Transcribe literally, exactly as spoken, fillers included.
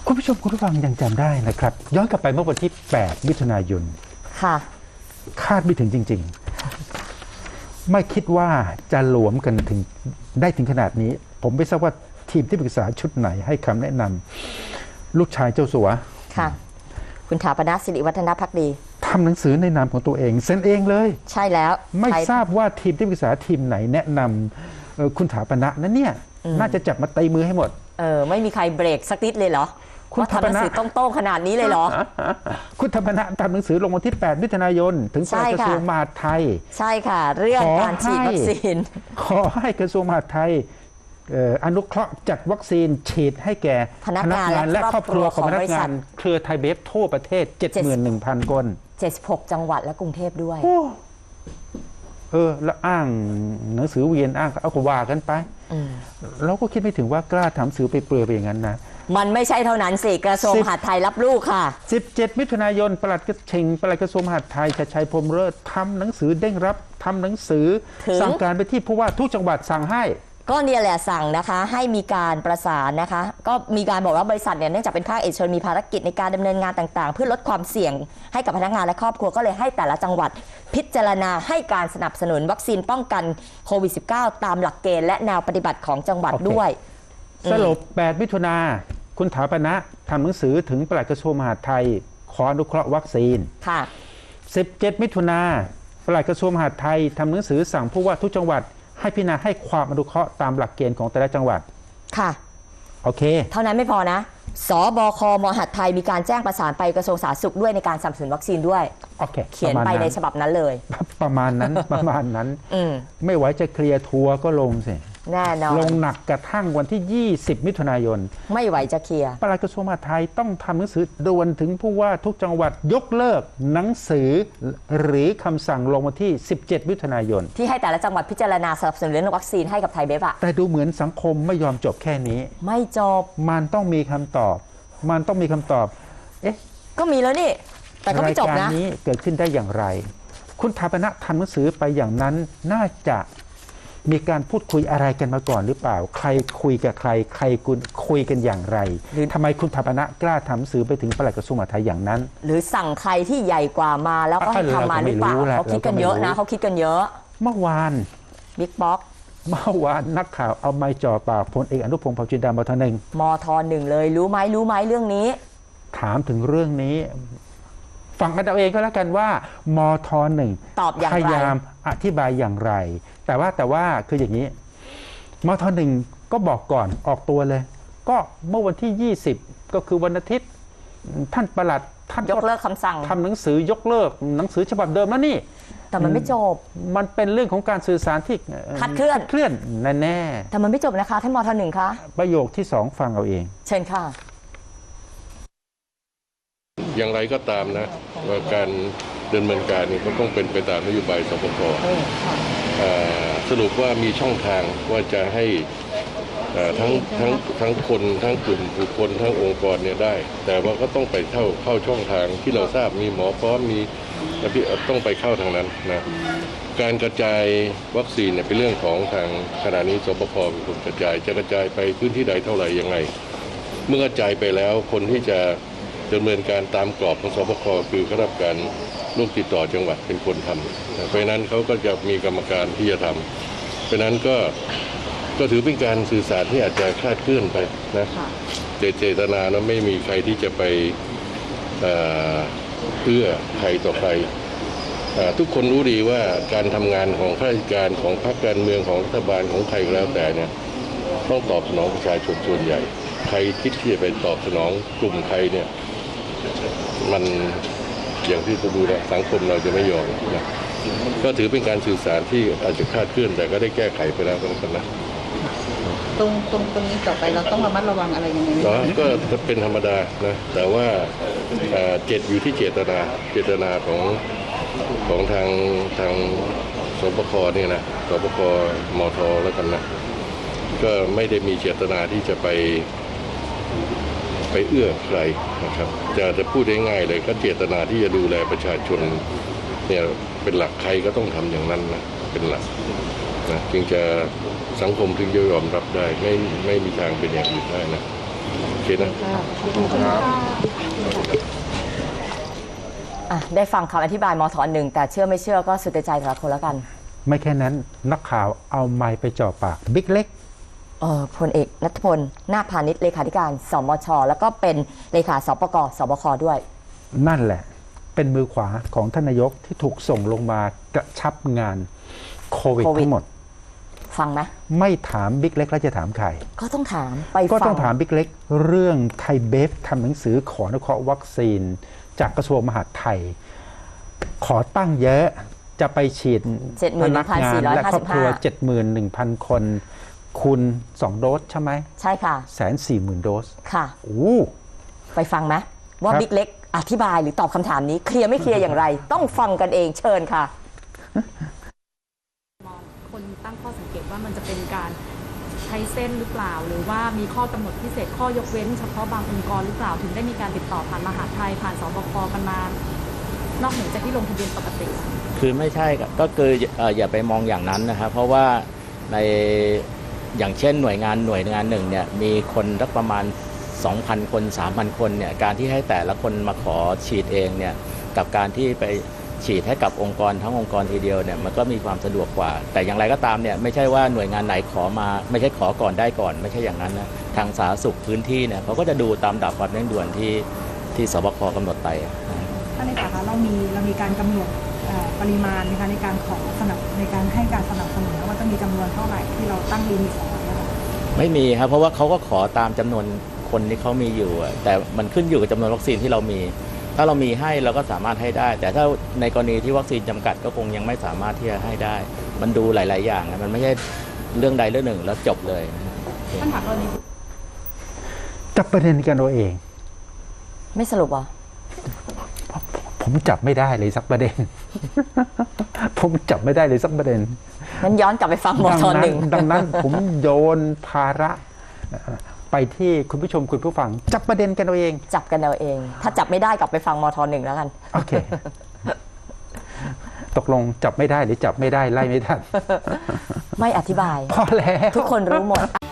คุณผู้ชมคุณผู้ฟังยังจำได้นะครับย้อนกลับไปเมื่อวันที่แปดมิถุนายนค่ะคาดไม่ถึงจริงๆไม่คิดว่าจะหลวมกันถึงได้ถึงขนาดนี้ผมไม่ทราบว่าทีมที่ปรึกษาชุดไหนให้คำแนะนำลูกชายเจ้าสัวค่ะคุณถาปนสิริวัฒนภักดีทำหนังสือในนามของตัวเองเซ็นเองเลยใช่แล้วไม่ทราบว่าทีมที่ปรึกษาทีมไหนแนะนำคุณถาปนะนั้นเนี่ยน่าจะจับมาตีมือให้หมดเออไม่มีใครเบรกสักนิดเลยเหรอคุณทำหนังสือต้องโต้ขนาดนี้เลยเหรอคุณธรรมนัสทำหนังสือลงวันที่แปดมิถุนายนถึงปลัดกระทรวงมหาดไทยใช่ค่ะเรื่องการฉีดวัคซีนขอให้กระทรวงมหาดไทยอนุเคราะห์จัดวัคซีนฉีดให้แก่พนักงานและครอบครัวของพนักงานเครือไทยเบฟทั่วประเทศ เจ็ดหมื่นหนึ่งพัน คนเจ็ดสิบหกจังหวัดและกรุงเทพด้วยเออแล้วอ้างหนังสือเวียนอ้างเอาก็ว่ากันไปเราก็คิดไม่ถึงว่ากล้าทำสื่อไปเปลือยไปอย่างนั้นนะมันไม่ใช่เท่านั้นสิกระทรวงมหาดไทยรับลูกค่ะสิบเจ็ดมิถุนายนปลัดกระเชงปลัดกระทรวงมหาดไทยชัยชัยพรหมเลิศทำหนังสือเด้งรับทำหนังสือสั่งการไปที่ผู้ว่าทุกจังหวัดสั่งให้ก็เนี่ยแหละสั่งนะคะให้มีการประสานนะคะก็มีการบอกว่าบริษัทเนี่ยเนื่องจากเป็นภาคเอกชนมีภารกิจในการดำเนินงานต่างๆเพื่อลดความเสี่ยงให้กับพนักงานและครอบครัวก็เลยให้แต่ละจังหวัดพิจารณาให้การสนับสนุนวัคซีนป้องกันโควิด สิบเก้า ตามหลักเกณฑ์และแนวปฏิบัติของจังหวัด okay. ด้วยสรุปแปดมิถุนาคุณถาปนะทำหนังสือถึงปลัดกระทรวงมหาดไทยขออนุเคราะห์วัคซีนค่ะสิบเจ็ดมิถุนาปลัดกระทรวงมหาดไทยทำหนังสือสั่งผู้ว่าทุกจังหวัดให้พิจารณาให้ความอนุเคราะห์ตามหลักเกณฑ์ของแต่ละจังหวัดค่ะโอเคเท่านั้นไม่พอนะสบคมหาดไทยมีการแจ้งประสานไปกระทรวงสาธารณสุขด้วยในการสนับสนุนวัคซีนด้วยโอเคเขียนไปในฉบับนั้นเลยประมาณนั้นประมาณนั้นไม่ไหวจะเคลียร์ทัวร์ก็ลงสิแน่นอนลงหนักกระทั่งวันที่ยี่สิบมิถุนายนไม่ไหวจะเคลียร์ปลัดกระทรวงมหาดไทยต้องทำหนังสือด่วนถึงผู้ว่าทุกจังหวัดยกเลิกหนังสือหรือคำสั่งลงวันที่สิบเจ็ดมิถุนายนที่ให้แต่ละจังหวัดพิจารณาสนับสนุนเรื่องวัคซีนให้กับไทยเบฟอะแต่ดูเหมือนสังคมไม่ยอมจบแค่นี้ไม่จบมันต้องมีคำตอบมันต้องมีคำตอบเอ๊ะก็มีแล้วนี่แต่ก็ไม่จบนะรายการนี้เกิดขึ้นได้อย่างไรคุณถาปนะทำหนังสือไปอย่างนั้นน่าจะมีการพูดคุยอะไรกันมาก่อนหรือเปล่าใครคุยกับใครใครคุยกันอย่างไรหรือทำไมคุณถาปนะกล้าทำหนังสือไปถึงปลัดกระทรวงมหาดไทยอย่างนั้นหรือสั่งใครที่ใหญ่กว่ามาแล้วก็ให้ทำมาหรือเปล่าเขาคิดกันเยอะนะเขาคิดกันเยอะเมื่อวานบิ๊กบ็อกเมื่อวานนักข่าวเอาไม้จ่อปากพลเอกอนุพงศ์เผ่าจินดามทหนึ่งมทหนึ่งเลยรู้ไหมรู้ไหมเรื่องนี้ถามถึงเรื่องนี้ฟังกันเอาเองก็แล้วกันว่ามทหนึ่งตอบอย่างไรพยายามอธิบายอย่างไรแต่ว่าแต่ว่าคืออย่างนี้มทหนึ่งก็บอกก่อนออกตัวเลยก็เมื่อวันที่ยี่สิบก็คือวันอาทิตย์ท่านปลัดท่านยกเลิกคำสั่งทำหนังสือยกเลิกหนังสือฉบับเดิมแล้วนี่แต่มันไม่จบมันเป็นเรื่องของการสื่อสารที่คลาดเคลื่อนเคลื่อนแน่ๆแต่มันไม่จบนะคะท่านมทหนึ่งคะประโยคที่สองฟังเอาเองเชิญค่ะอย่างไรก็ตามนะว่าการดำเนินการนี่ก็ต้องเป็นไปตามนโยบายสปค.สรุปว่ามีช่องทางว่าจะให้ทั้งทั้งทั้งคนทั้งกลุ่มบุคคลทั้งองค์กรเนี่ยได้แต่ว่าก็ต้องไปเข้าเข้าช่องทางที่เราทราบมีหมอพร้อมมีต้องไปเข้าทางนั้นนะการกระจายวัคซีนเนี่ยเป็นเรื่องของทางขณะนี้สปค.เป็นคนกระจายจะกระจายไปพื้นที่ใดเท่าไหร่ยังไงเมื่อกระจายไปแล้วคนที่จะดำเนินการตามกรอบของสปค.คือคณะกรรมการโรคติดต่อจังหวัดเป็นคนทำเพราะนั้นเขาก็จะมีกรรมการที่จะทำเพราะนั้นก็ก็ถือเป็นการสื่อสารที่อาจจะคลาดเคลื่อนไปนะเจตนาแล้วไม่มีใครที่จะไปเอื้อใครต่อใครทุกคนรู้ดีว่าการทำงานของข้าราชการของพรรคการเมืองของรัฐบาลของใครก็แล้วแต่เนี่ยต้องตอบสนองประชาชนส่วนใหญ่ใครคิดที่จะไปตอบสนองกลุ่มใครเนี่ยมันอย่างที่จะดูนะสังคมเราจะไม่ยอมนะก็ถือเป็นการสื่อสารที่อาจจะคลาดเคลื่อนแต่ก็ได้แก้ไขไปแล้วก็แล้วกันนะตรงตรงตรงนี้ต่อไปเราต้องระมัดระวังอะไรยังไงก็เป็นธรรมดานะแต่ว่าเจตอยู่ที่เจตนาเจตนาของของทางทางสปค.เนี่ยนะสปค.มท.แล้วกันนะก็ไม่ได้มีเจตนาที่จะไปไปเอื้อใครนะครับจะจะพูดได้ง่ายเลยก็เจตนาที่จะดูแลประชาชนเนี่ยเป็นหลักใครก็ต้องทำอย่างนั้นนะเป็นหลักนะจึงจะสังคมถึงจะยอมรับได้ไม่ไม่มีทางเป็นอย่างอื่นได้นะเคนะอ่ะได้ฟังคำอธิบายมทหนึ่งแต่เชื่อไม่เชื่อก็สุดแต่ใจแต่ละคนแล้วกันไม่แค่นั้นนักข่าวเอาไมค์ไปจ่อปากบิ๊กเล็กเออพลเอกนัทพลนาคพาณิชย์เลขาธิการสมช แล้วก็เป็นเลขาสปกสบคด้วยนั่นแหละ เป็นมือขวาของท่านนายกที่ถูกส่งลงมากระชับงานโควิดโควิดทั้งหมดฟังไหมไม่ถามบิ๊กเล็กแล้วจะถามใครก็ต้องถามไปก็ฟัต้องถามบิ๊กเล็กเรื่องไทยเบฟทำหนังสือขออนุเคราะห์วัคซีน จากกระทรวงมหาดไทย ขอตั้งเยอะจะไปฉีดพนักงานและครอบครัว เจ็ดหมื่นหนึ่งพัน คน คูณสองโดสใช่ไหมใช่ค่ะแสนสี่หมื่นโดสค่ะโอ้ไปฟังไหมว่าครับบิ๊กเล็กอธิบายหรือตอบคำถามนี้เคลียร์ไม่เคลียร์อย่างไร ต้องฟังกันเองเชิญค่ะมองคนตั้งข้อสังเกตว่ามันจะเป็นการใช้เส้นหรือเปล่า หรือว่ามีข้อกำหนดพิเศษข้อยกเว้นเฉพาะบางองค์กรหรือเปล่าถึงได้มีการติดต่อผ่านมหาดไทยผ่านสบคกันมานอกเหนือจากที่ลงทะเบียนปกติคือไม่ใช่ครับก็คือเอ่ออย่าไปมองอย่างนั้นนะครับเพราะว่าในอย่างเช่นหน่วยงานหน่วยงานหนึ่งเนี่ยมีคนสักประมาณ สองพัน คน สามพัน คนเนี่ยการที่ให้แต่ละคนมาขอฉีดเองเนี่ยกับการที่ไปฉีดให้กับองค์กรทั้งองค์กรทีเดียวเนี่ยมันก็มีความสะดวกกว่า แต่อย่างไรก็ตามเนี่ยไม่ใช่ว่าหน่วยงานไหนขอมาไม่ใช่ขอก่อนได้ก่อน ไม่ใช่อย่างนั้นนะทางสาธารณสุขพื้นที่เนี่ยเขาก็จะดูตามดับความเร่งด่วนที่ที่สบคกำหนดไปนะท่านในสาขาเรามีเรามีการกำหนดเอ่อปริมาณนะคะในการขอสนับในการให้การสนับสนุนว่าจะมีจำนวนเท่าไหร่ที่เราตั้งลิมิตเอาไว้อะค่ะไม่มีครับเพราะว่าเขาก็ขอตามจำนวนคนที่เขามีอยู่อะแต่มันขึ้นอยู่กับจำนวนวัคซีนที่เรามี ถ้าเรามีให้เราก็สามารถให้ได้ แต่ถ้าในกรณีที่วัคซีนจำกัดก็คงยังไม่สามารถที่จะให้ได้ มันดูหลาย ๆ อย่างนะมันไม่ใช่เรื่องใดเรื่องหนึ่งแล้วจบเลยท่านถามกรณีจับประเด็นกันเอาเองไม่สรุปเหรอผมจับไม่ได้เลยสักประเด็น ผมจับไม่ได้เลยสักประเด็นงั้นย้อนกลับไปฟังมดัทนั้นหนึ่งดังนั้นผมโยนภาระเอ่อไปที่คุณผู้ชมคุณผู้ฟัง จับประเด็นกันเอาเองจับกันเอาเอง ถ้าจับไม่ได้กลับไปฟังมทหนึ่งแล้วกันโอเค ตกลงจับไม่ได้หรือจับไม่ได้ไล่ไม่ทันไม่อธิบายพอแล้วทุกคนรู้หมด